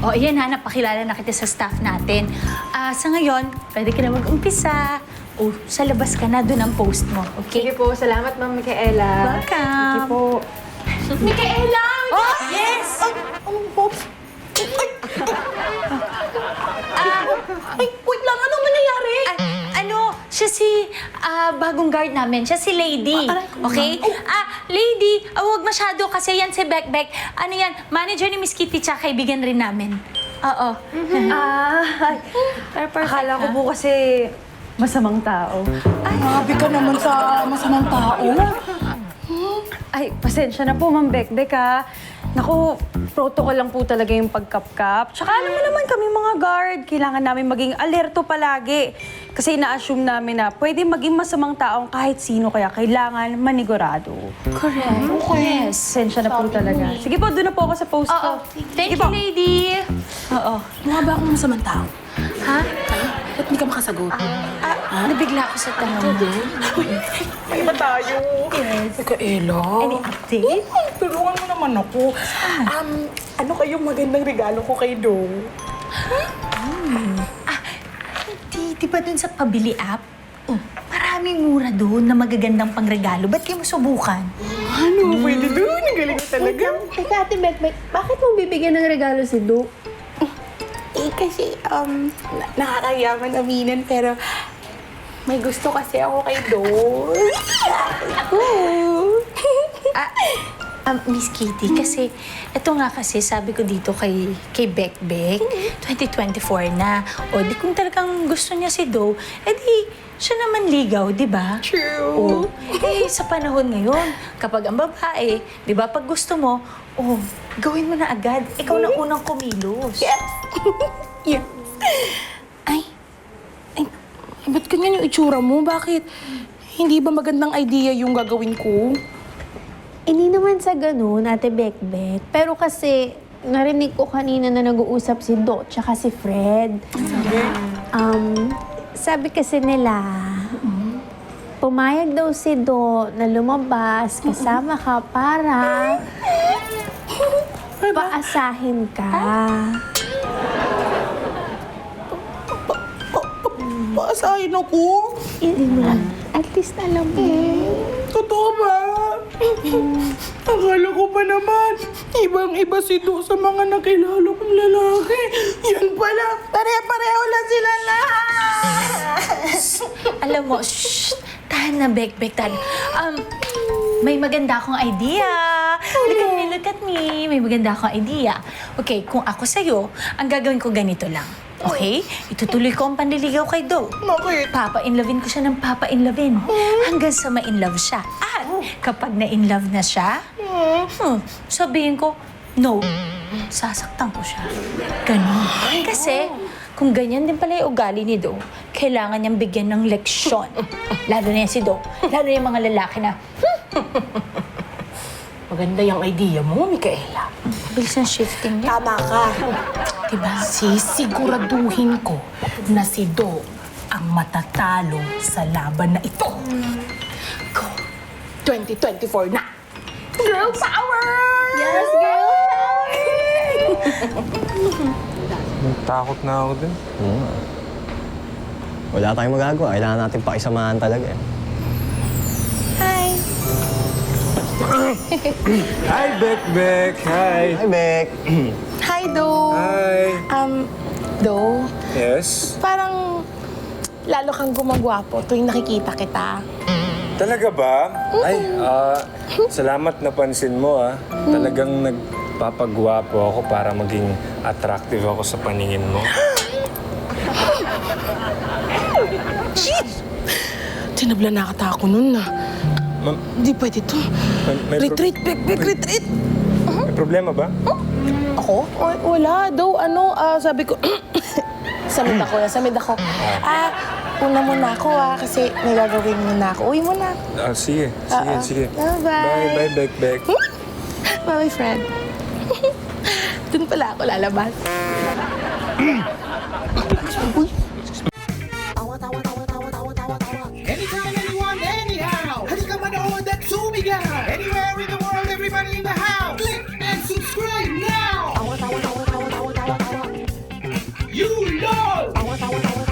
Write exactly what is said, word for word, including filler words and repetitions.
O, ayan ha, napakilala na kita sa staff natin. Ah, sa ngayon, pwede ka na mag-umpisa. O, sa labas ka na, doon ang post mo, okay? Sige po, salamat Ma'am Micaela. Welcome. Sige po. Micaela! Oh, yes! Anong pops? Ah, Ay, wait lang, anong nangyayari? ah, ano, siya si ah, bagong guard namin. Siya si Lady. Ah, aray ko, Okay? Ah, Lady, ah, huwag masyado kasi yan si Beck Beck. Ano yan, manager ni Miss Kitty tsaka kaibigan rin namin. Oo. Ah, ay, Pero perfect, akala ko ha? po kasi masamang tao. Ay, Grabe ka naman sa masamang tao. Ay, pasensya na po, Ma'am Bekbek, ha. Naku, protocol lang po talaga yung pagkapkap. Tsaka alam mo naman kami mga guard, kailangan namin maging alerto palagi. Kasi ina-assume namin na pwede maging masamang taong kahit sino, kaya kailangan manigurado. correct. Yes. Pasensya na po talaga. Sige po, doon na po ako sa post Oo. ko. Thank Sige you, po. Lady. Oo. Mukha ba akong masamang tao? Ha? Ba't hindi ka makasagot? Ah, nabigla ako sa tanong mo. May iba tayo. Yes. Teka, Ella. Any update? Ay, tulungan mo naman ako. Um, ano kayong magandang regalo ko kay Dong? Ah, di, di ba dun sa pabili app? Oh, maraming mura doon na magagandang pangregalo. Ba't kayo mo subukan? Ano? Pwede doon. Ang galing mo talaga. Teka, Ate Bekbek, bakit mo bibigyan ng regalo si Du? Eh, kasi, um, na- nakakayaman aminin, pero may gusto kasi ako kay Dong. Ah, um, Miss Kitty, kasi ito nga kasi sabi ko dito kay, kay Beck Beck, twenty twenty-four na. O di kung talagang gusto niya si Do, edi siya naman ligaw, di ba? True. Oh, eh, sa panahon ngayon, kapag ang babae, di ba, pag gusto mo, oh, gawin mo na agad. Ikaw na unang kumilos. Yes. Yes. Ay, ay, ba't ganyan yung itsura mo? Bakit? Hindi ba magandang idea yung gagawin ko? Hindi naman sa ganun, Ate Bekbek. Pero kasi, narinig ko kanina na nag-uusap si Do tsaka si Fred. Um, sabi kasi nila, pumayag daw si Do na lumabas kasama ka para paasahin ka. Paasahin ako? Hindi mo lang. At least alam mo. Totoo ba? Akala ko pa naman, ibang-iba si Do sa mga nakilala kong lalaki. Yan pala, pare-pareho lang sila lahat. Alam mo, shh, tahan na, Beck Beck, tahan. Um, may maganda akong idea. Look at me, look at me. May maganda akong idea. Okay, kung ako sa'yo, ang gagawin ko ganito lang. Okay? Itutuloy ko ang panliligaw kay Do. Bakit? Papa-inlovin ko siya ng papa-inlovin. Hanggang sa ma-inlove siya. At kapag na-inlove na siya, hmm, sabihin ko, no. Sasaktan ko siya. Ganon. Kasi, kung ganyan din pala yung ugali ni Do, kailangan niyang bigyan ng leksyon. Lalo na yan si Do. Lalo na yung mga lalaki na, Maganda yung idea mo, Micaela. bilis ng shifting niya. Tama ka. Diba? Sisiguraduhin ko na si Do ang matatalo sa laban na ito. Go! twenty twenty-four na! Girl power! Yes, girl! Takot na ako din. Oo nga. Wala tayong magagawa. Kailangan natin pakisamahan talaga eh. Hi, Beck Beck! Hi! Hi, Beck! Hi, Do! Hi! Um, Do, Yes? parang lalo kang gumagwapo tuwing nakikita kita. Talaga ba? Ay, ah, salamat napansin mo ah. Talagang nagpapagwapo ako para maging attractive ako sa paningin mo. Jeez! Tinabla na kata ako nun na. Ma- Di pwede to. may, may, pro- Retreat, Bek, Bek, retreat! may problema ba? Ako? W- wala daw. Ano, ah, sabi ko... samid ako, samid ako. Ah, una muna ako ah, kasi may gagawin muna ako. Uwi muna. Ah, sige, sige, Oo. sige. Bye-bye. Bye, bye, Beck Beck. Bye, friend. Doon pala ako lalabas. Anytime, anyone, anyhow. Halika manood at sumigaw. Anywhere in the world, everybody in the house. Click and subscribe now. You know! Tawa, tawa, tawa,